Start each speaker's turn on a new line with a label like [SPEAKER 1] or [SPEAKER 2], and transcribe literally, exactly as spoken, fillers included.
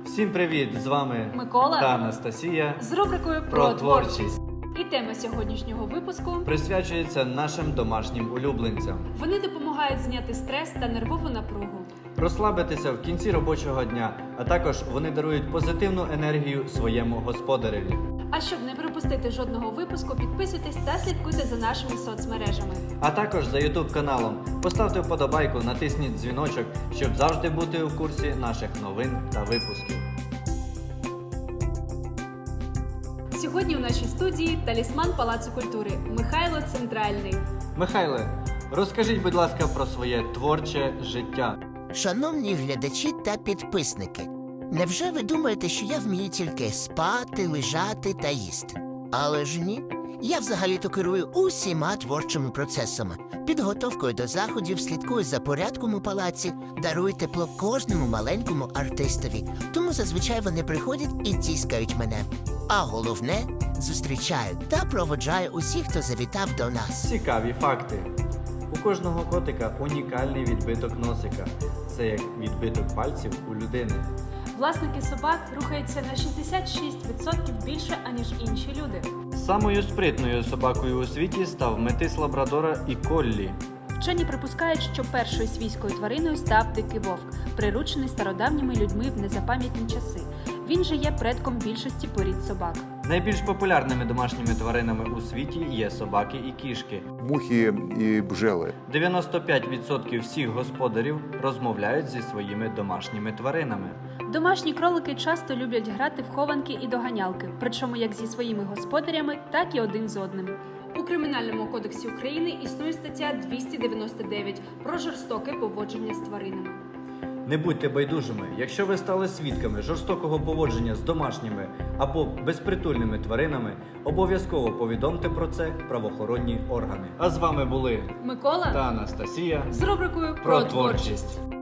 [SPEAKER 1] Всім привіт! З вами
[SPEAKER 2] Микола
[SPEAKER 1] та Анастасія
[SPEAKER 2] з рубрикою
[SPEAKER 1] про
[SPEAKER 2] про творчість.
[SPEAKER 1] творчість.
[SPEAKER 2] І тема сьогоднішнього випуску
[SPEAKER 1] Присвячується нашим домашнім улюбленцям.
[SPEAKER 2] вони допомагають зняти стрес та нервову напругу.
[SPEAKER 1] Розслабитися в кінці робочого дня, а також вони дарують позитивну енергію своєму господареві.
[SPEAKER 2] А щоб не пропустити жодного випуску, підписуйтесь та слідкуйте за нашими соцмережами.
[SPEAKER 1] А також за ютуб каналом. Поставте вподобайку, натисніть дзвіночок, щоб завжди бути у курсі наших новин та випусків.
[SPEAKER 2] Сьогодні у нашій студії талісман Палацу культури Михайло Центральний.
[SPEAKER 1] Михайле, розкажіть, будь ласка, про своє творче життя.
[SPEAKER 3] Шановні глядачі та підписники, невже ви думаєте, що я вмію тільки спати, лежати та їсти? Але ж ні. Я взагалі-то керую усіма творчими процесами. Підготовкою до заходів, слідкую за порядком у палаці, дарую тепло кожному маленькому артистові. Тому зазвичай вони приходять і тіскають мене. А головне – зустрічаю та проводжаю усіх, хто завітав до нас.
[SPEAKER 1] Цікаві факти. У кожного котика унікальний відбиток носика. Це як відбиток пальців у людини.
[SPEAKER 2] Власники собак рухаються на шістдесят шість відсотків більше, аніж інші люди.
[SPEAKER 1] Самою спритною собакою у світі став метис лабрадора і коллі.
[SPEAKER 2] Вчені припускають, що першою свійською твариною став дикий вовк, приручений стародавніми людьми в незапам'ятні часи. Він же є предком більшості порід собак.
[SPEAKER 1] Найбільш популярними домашніми тваринами у світі є собаки і кішки.
[SPEAKER 4] Мухи і бджели.
[SPEAKER 1] дев'яносто п'ять відсотків всіх господарів розмовляють зі своїми домашніми тваринами.
[SPEAKER 2] Домашні кролики часто люблять грати в хованки і доганялки, причому як зі своїми господарями, так і один з одним. У Кримінальному кодексі України існує стаття двісті дев'яносто дев'ять про жорстоке поводження з тваринами.
[SPEAKER 1] Не будьте байдужими, якщо ви стали свідками жорстокого поводження з домашніми або безпритульними тваринами, обов'язково повідомте про це правоохоронні органи. А з вами були
[SPEAKER 2] Микола
[SPEAKER 1] та Анастасія
[SPEAKER 2] з рубрикою
[SPEAKER 1] про творчість.